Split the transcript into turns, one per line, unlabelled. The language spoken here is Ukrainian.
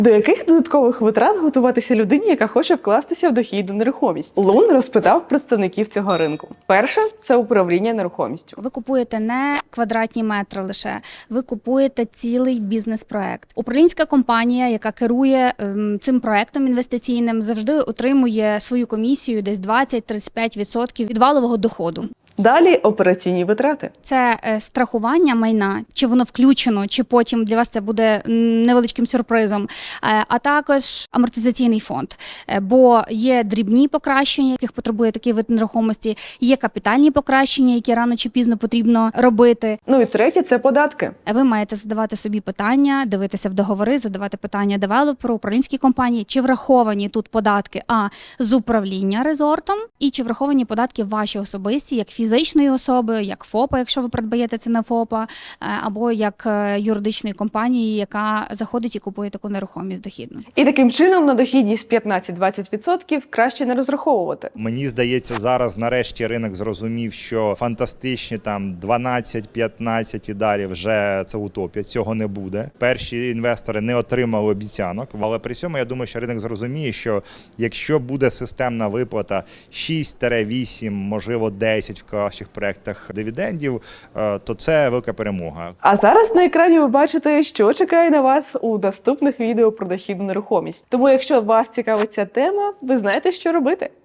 До яких додаткових витрат готуватися людині, яка хоче вкластися в дохідну нерухомість? Лун розпитав представників цього ринку. Перше – це управління нерухомістю.
Ви купуєте не квадратні метри лише, ви купуєте цілий бізнес-проект. Управлінська компанія, яка керує цим проектом інвестиційним, завжди отримує свою комісію десь 20-35% від валового доходу.
Далі – операційні витрати.
Це страхування майна, чи воно включено, чи потім для вас це буде невеличким сюрпризом, а також амортизаційний фонд. Бо є дрібні покращення, яких потребує такий вид нерухомості, є капітальні покращення, які рано чи пізно потрібно робити.
Ну і третє – це податки.
Ви маєте задавати собі питання, дивитися в договори, задавати питання девелоперу, управлінській компанії, чи враховані тут податки з управління резортом, і чи враховані податки ваші особисті, як фізичної особи, як ФОПа, якщо ви придбаєте це на ФОПа, або як юридичної компанії, яка заходить і купує таку нерухомість дохідну.
І таким чином на дохідність 15-20% краще не розраховувати.
Мені здається, зараз нарешті ринок зрозумів, що фантастичні там 12-15 і далі вже це утопія, цього не буде. Перші інвестори не отримали обіцянок, але при цьому я думаю, що ринок зрозуміє, що якщо буде системна виплата 6-8, можливо 10 в кращих проєктах дивідендів, то це велика перемога.
А зараз на екрані ви бачите, що чекає на вас у наступних відео про дохідну нерухомість. Тому якщо вас цікавить ця тема, ви знаєте, що робити.